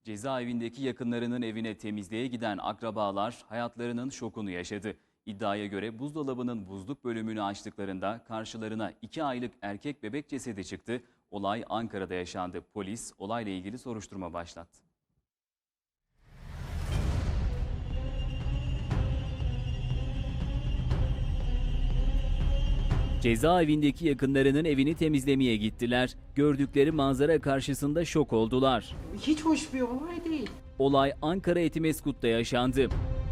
Cezaevindeki yakınlarının evine temizliğe giden akrabalar hayatlarının şokunu yaşadı. İddiaya göre buzdolabının buzluk bölümünü açtıklarında karşılarına 2 aylık erkek bebek cesedi çıktı. Olay Ankara'da yaşandı. Polis olayla ilgili soruşturma başlattı. Cezaevindeki yakınlarının evini temizlemeye gittiler. Gördükleri manzara karşısında şok oldular. Hiç hoş bir olay değil. Olay Ankara Etimeskut'ta yaşandı.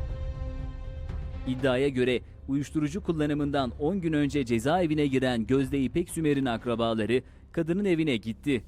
İddiaya göre uyuşturucu kullanımından 10 gün önce cezaevine giren Gözde İpek Sümer'in akrabaları kadının evine gitti.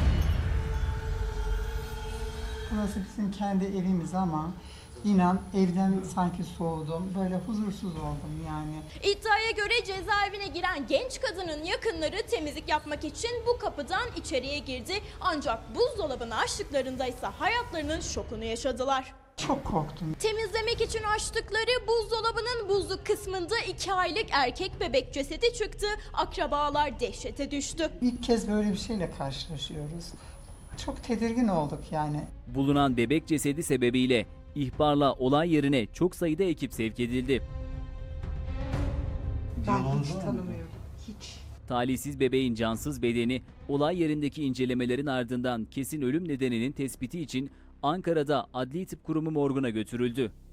Burası bizim kendi evimiz ama inan evden sanki soğudum. Böyle huzursuz oldum yani. İddiaya göre cezaevine giren genç kadının yakınları temizlik yapmak için bu kapıdan içeriye girdi. Ancak buzdolabını açtıklarında ise hayatlarının şokunu yaşadılar. Çok korktum. Temizlemek için açtıkları buzdolabının buzluk kısmında 2 aylık erkek bebek cesedi çıktı. Akrabalar dehşete düştü. İlk kez böyle bir şeyle karşılaşıyoruz. Çok tedirgin olduk yani. Bulunan bebek cesedi sebebiyle ihbarla olay yerine çok sayıda ekip sevk edildi. Ben hiç tanımıyorum. Hiç. Talihsiz bebeğin cansız bedeni olay yerindeki incelemelerin ardından kesin ölüm nedeninin tespiti için Ankara'da Adli Tıp Kurumu morguna götürüldü.